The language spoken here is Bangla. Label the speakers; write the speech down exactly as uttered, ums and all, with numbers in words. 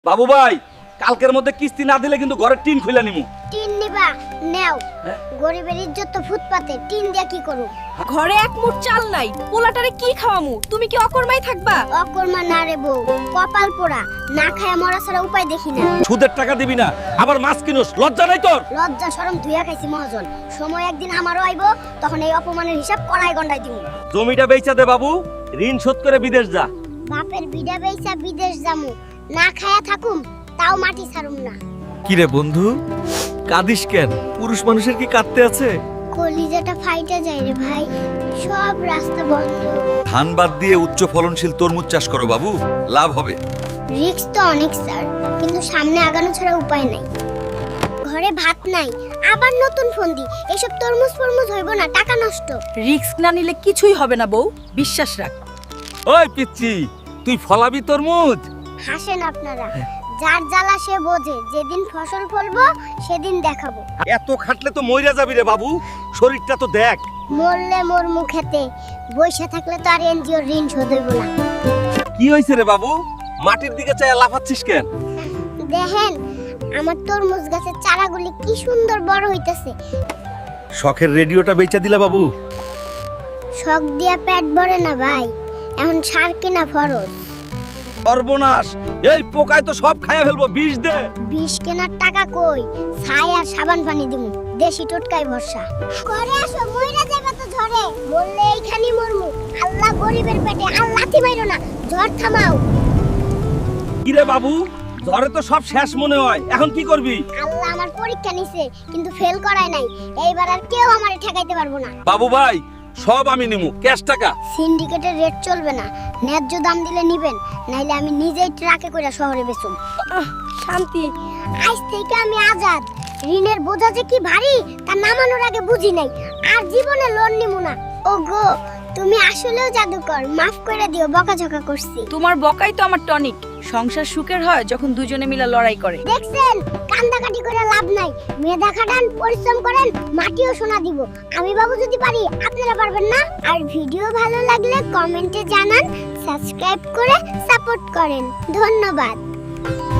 Speaker 1: বাবু ভাই কালকের মধ্যে কিস্তি না দিলে কিন্তু ঘরের টিন খুলে নিমু।
Speaker 2: টিন নিবা নেও, গরিবের ইজ্জত তো ফুটপাতে, টিন দিয়া কি করু?
Speaker 3: ঘরে এক মুঠ চাল নাই, পোলাটারে কি খাওয়ামু? তুমি কি অকর্মাই থাকবা?
Speaker 2: অকর্মা না রে বউ, কপাল পোড়া, না খায়া মরা ছাড়া উপায় দেখি না।
Speaker 1: সুদের টাকা দিবি না, আবার মাছ কিনোস, লজ্জা নাই তোর?
Speaker 2: লজ্জা শরম ধুইয়া খাইছি মহাজন। সময় একদিন আমারও আইবো, তখন এই অপমানের হিসাব কড়াই গন্ডাই দিমু।
Speaker 1: জমিটা বেচা দে বাবু, ঋণ শোধ করে বিদেশ যা।
Speaker 2: বাপের বিডা বেইচা বিদেশ যামু, না খায়া থাকুম তাও মাটি ছাড়ুম না।
Speaker 4: কি রে বন্ধু, কাঁদিস কেন? পুরুষ মানুষের কি কাঁদতে আছে?
Speaker 2: কলিজাটা ফাইটা যায় রে ভাই, সব রাস্তা বন্ধ।
Speaker 4: ধান বাদ দিয়ে উচ্চ ফলনশীল তরমুজ চাষ করো বাবু, লাভ হবে।
Speaker 2: রিস্ক তো অনেক স্যার, কিন্তু সামনে আগানো ছাড়া উপায় নাই। ঘরে ভাত নাই, আবার নতুন ফোন দি, এসব তরমুজ ফরমুজ হইব না, টাকা নষ্ট।
Speaker 3: রিস্ক না নিলে কিছুই হবে না বউ, বিশ্বাস রাখ।
Speaker 1: ওই পিচ্চি, তুই ফলাবি তরমুজ?
Speaker 2: হাসেন আপনারা, যার জ্বালা সে বোঝে, যেদিন ফসল ফলবো সেদিন দেখাবো।
Speaker 1: এত খাটলে তো মইরা যাবি রে বাবু, শরীরটা তো দেখ।
Speaker 2: মরলে মোর মুখেতে, বইসা থাকলে তো আর এনজিওর ঋণ শোধ হইব না।
Speaker 1: কি হইছে রে বাবু, মাটির দিকে চাইয়া লাফাচ্ছিস কেন?
Speaker 2: দেখেন আমার তরমুজ গাছের চারাগুলি কি সুন্দর বড় হইতেছে।
Speaker 1: শখের রেডিওটা বেচা দিলা বাবু?
Speaker 2: শখ দিয়া পেট ভরে না ভাই, এখন সার কিনা ফরজ।
Speaker 1: সর্বনাশ, এই পোকায় তো সব খাইয়া ফেলবো, বিষ দে।
Speaker 2: বিষ কেনার টাকা কই, ছাই আর সাবান পানি দিমু, দেশি টোটকাই ভরসা। করে আসো, মইরা যাবে তো ঝড়ে, বললে এইখানি মরমু। আল্লাহ গরিবের পেটে, আল্লাহ থি মাইরো না, ঝড় থামাও।
Speaker 1: কি রে বাবু, ঝড়ে তো সব শেষ মনে হয়, এখন কি করবি?
Speaker 2: আল্লাহ আমার পরীক্ষা নিছে, কিন্তু ফেল করায় নাই। এইবার আর কেউ আমারে ঠেকাইতে পারবো না।
Speaker 1: বাবু ভাই, সব আমি নিমু, ক্যাশ টাকা।
Speaker 2: সিন্ডিকেটের রেট চলবে না, ন্যায্য দাম দিলে নিবেন, নাইলে আমি নিজেই ট্রাকে কইরা শহরে বেচুম।
Speaker 3: আহ, শান্তি।
Speaker 2: আজ থেকে আমি আজাদ। ঋণের বোঝা যে কি ভারী তা নামানোর আগে বুঝি নাই, আর জীবনে লোন নিমু না। ওগো, তুমি আসলেও জাদুকর, মাফ করে দিও, বকাঝকা করছি।
Speaker 3: তোমার বকাই তো আমার টনিক। সংসার সুখের হয় যখন দুজনে মিলে লড়াই করে।
Speaker 2: দেখছেন, কান্দাকাটি করে লাভ নাই, মেধা খাটান, পরিশ্রম করেন, মাটিও সোনা দিব। আমি বাবু যদি পারি, আপনারা পারবেন না? আর ভিডিও ভালো লাগলে কমেন্টে জানান, সাবস্ক্রাইব করে সাপোর্ট করেন। ধন্যবাদ।